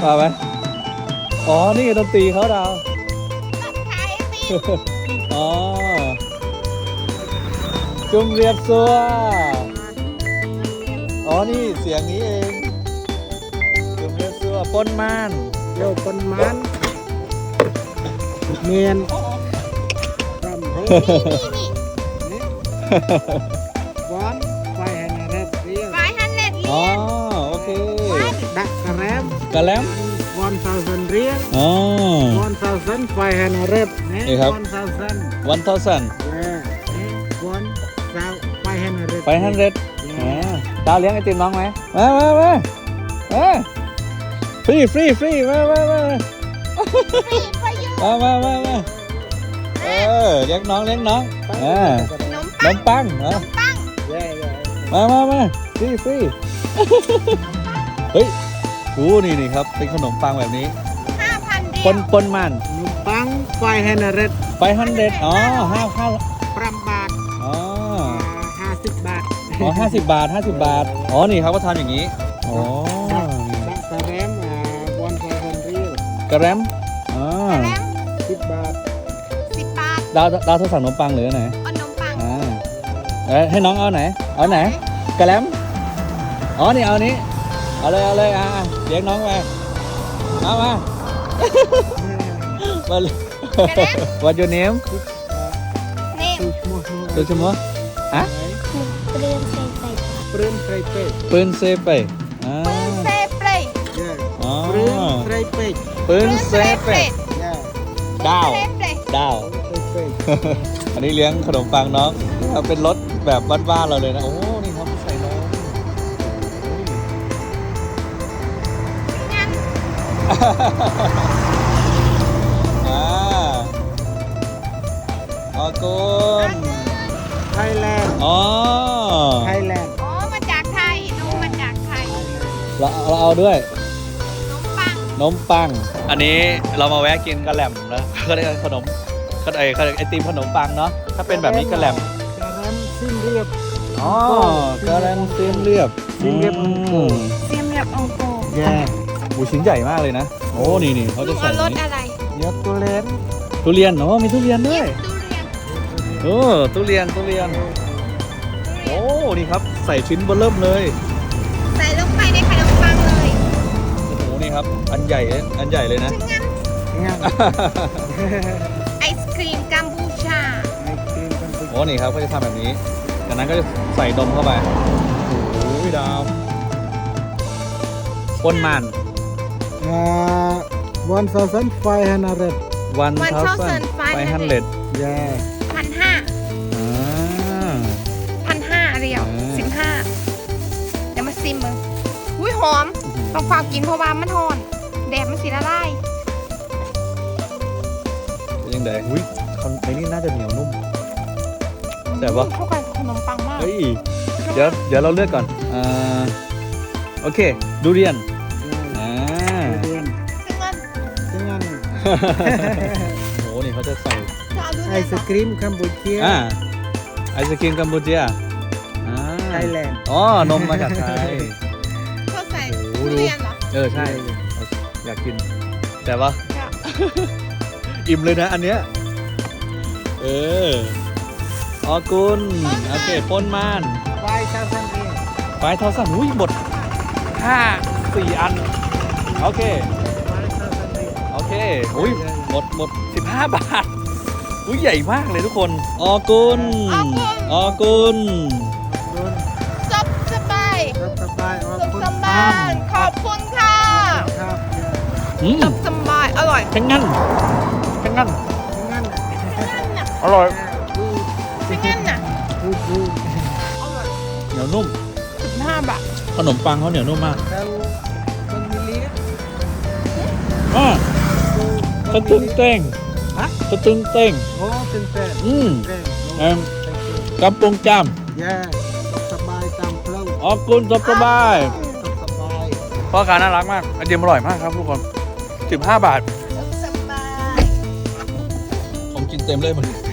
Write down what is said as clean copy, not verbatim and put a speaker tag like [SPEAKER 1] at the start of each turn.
[SPEAKER 1] มาไหมอ๋อนี่ดนตรีเขาดาวอ๋อจุ่มเรียบซัวอ๋อนี่เสียงนี้เองจุ่มเรียบซัวปนม่าน
[SPEAKER 2] โยปนมันเมียนรำโฮวันไฟแฮนเรดเรีย
[SPEAKER 1] อ๋อโอเค
[SPEAKER 2] ดักกระแรม
[SPEAKER 1] กระแลม
[SPEAKER 2] 1,000 เรียล
[SPEAKER 1] อ๋อ
[SPEAKER 2] 1,000 500
[SPEAKER 1] นี่ครับ
[SPEAKER 2] 1,000
[SPEAKER 1] 1,000
[SPEAKER 2] 1,500
[SPEAKER 1] 500ดาวเลี้ยงไอติมน้องไหมมาฟรีมาเลี้ยงน้องขนมปังมาฟรีเฮ้ยดูนี่ครับเป็นขนมปังแบบนี้ปนมัน
[SPEAKER 2] ขนมปัง500
[SPEAKER 1] 500อ๋อ
[SPEAKER 2] 5 บาท
[SPEAKER 1] อ๋อ
[SPEAKER 2] 50 บาท
[SPEAKER 1] อ๋อ50 บาทอ๋อนี่ครับก็ทำอย่างนี้อ๋อ
[SPEAKER 2] ดักกระแรม1,000 เรียล
[SPEAKER 1] กระแรมอ๋อ
[SPEAKER 2] 10 บาท
[SPEAKER 1] ดาวเธอสั่งขนมปังหรือไหนให้น้องเอาไหนกระแลมอ๋อนี่เอานี้เอาเลยเลี้ยงน้องไปมาเลย What your name ตัวชั่วโมงฮะ
[SPEAKER 2] ปืนไฟเป็ด
[SPEAKER 1] ปืนเซไปอ๋อ ปืนเซไปดาวอันนี้เลี้ยงขนมปังน้องเป็นรถแบบบ้านๆเราเลยนะโอ้นี่ครับใส่นมออกุน
[SPEAKER 2] ไทยแลนด์
[SPEAKER 1] อ๋อ
[SPEAKER 2] ไทยแลนด์
[SPEAKER 3] มาจากไทยนมมาจากไทย
[SPEAKER 1] เราเอาด้วย
[SPEAKER 3] นมปัง
[SPEAKER 1] อันนี้เรามาแวะกินกระแหล่มนะก็ได้ขนมไอติมขนมปังเนาะถ้าเป็นแบบนี้กระแหล่ม
[SPEAKER 2] กระแรมสิ้นเรียบ
[SPEAKER 1] อ๋อกระแหล่มเสียมเรียบ
[SPEAKER 2] เสียมเรียบองโก
[SPEAKER 3] เสียมแบบองโก
[SPEAKER 2] แย่
[SPEAKER 1] หูชิ้นใหญ่มากเลยนะโอ้นี่เขาจะใส่
[SPEAKER 3] รส
[SPEAKER 1] นี้
[SPEAKER 3] อะไร
[SPEAKER 2] ยกตัวเล่น
[SPEAKER 1] ทุเรียนอ๋อมีทุเรียนด้วย
[SPEAKER 3] ทุเรียน
[SPEAKER 1] ทุเรียนโอ้นี่ครับใส่ชิ้นเบอร์เริ่มเลย
[SPEAKER 3] ใส่ลงไปในขนมปังเลย
[SPEAKER 1] โอ้โหนี่ครับอันใหญ่เลยนะ
[SPEAKER 3] งั้น
[SPEAKER 2] งาน
[SPEAKER 3] ไอศครีมกัมพูชา
[SPEAKER 2] ไอครีมกัน
[SPEAKER 1] โอ้นี่ครับก็จะทำแบบนี้จากนั้นก็จะใส่นมเข้าไปโอ้ยดาวปนมัน
[SPEAKER 2] 1,500
[SPEAKER 1] 1,500
[SPEAKER 2] แย่
[SPEAKER 3] 1,500เรียว 15เดี๋ยวมาซิมมึงอุ้ยหอมต้องฝากกินเพราะว่ามันหอนแดดมันสีละลาย
[SPEAKER 1] เป็นยังไงอุ้ยไอ้นี่น่าจะเหนียวนุ่มแต่ว่า
[SPEAKER 3] เข้ากันขนมปังมาก
[SPEAKER 1] เฮ้ยเดี๋ยวเราเลือกก่อนโอเคดูเรียนอ่า
[SPEAKER 2] เรียน
[SPEAKER 3] ซึ่งมัน
[SPEAKER 2] ซึ่งงาน
[SPEAKER 1] โอ้นี่เขาจะใส่
[SPEAKER 3] จะเอาดู
[SPEAKER 2] ไอ
[SPEAKER 3] ได้
[SPEAKER 2] ศครีมกัมพูชี
[SPEAKER 1] ไอศกรีมกัมพูชา
[SPEAKER 2] ไทยแลนด์
[SPEAKER 1] อ๋อนมมาจากไทย
[SPEAKER 3] เขาใส่
[SPEAKER 1] โอ้
[SPEAKER 3] ทุ
[SPEAKER 1] โห
[SPEAKER 3] เรียนเหรอ
[SPEAKER 1] ใช่อยากกิน แต่ว่า อิ่มเลยนะอันเนี้ยออกุนโอเคปนม่าน
[SPEAKER 2] ไฟชาซันเอง
[SPEAKER 1] ไปทอสั่งอุ้ยหมด4 อันโอเค
[SPEAKER 2] ไฟชาซันเอง
[SPEAKER 1] โอเคอุ้ยหมด15 บาทอุ้ยใหญ่มากเลยทุกคนออกุน
[SPEAKER 3] ซบสบาย
[SPEAKER 2] รับสบายออก
[SPEAKER 3] ซบ
[SPEAKER 2] คุณ
[SPEAKER 3] สบายขอบคุณค่ะ
[SPEAKER 2] ครับ
[SPEAKER 3] ซบสบายอร่อย
[SPEAKER 1] ทั้งงั้น
[SPEAKER 2] งั้น
[SPEAKER 1] อร่อย
[SPEAKER 3] ซึ่งงั้นน่ะ
[SPEAKER 2] พูด
[SPEAKER 3] อร่อย
[SPEAKER 1] เหนียวนุ่ม
[SPEAKER 3] 15 บาท
[SPEAKER 1] ขนมปังเขาเหนียวนุ่มมาก
[SPEAKER 2] แล้วคนมิลลิ
[SPEAKER 1] สะตึงเต้ง
[SPEAKER 2] ฮะ
[SPEAKER 1] สะตึงเต้ง
[SPEAKER 2] โอ้ตึงแต่
[SPEAKER 1] เอ็มกำปงจาม
[SPEAKER 2] แย่สบายตามเพลง
[SPEAKER 1] ออกุนสบาย
[SPEAKER 2] สบาย
[SPEAKER 1] พ่อค้าน่ารักมากไอเดียมอร่อยมากครับทุกคน15 บาท
[SPEAKER 3] ซบสบาย
[SPEAKER 1] ผมกินเต็มเลยมัน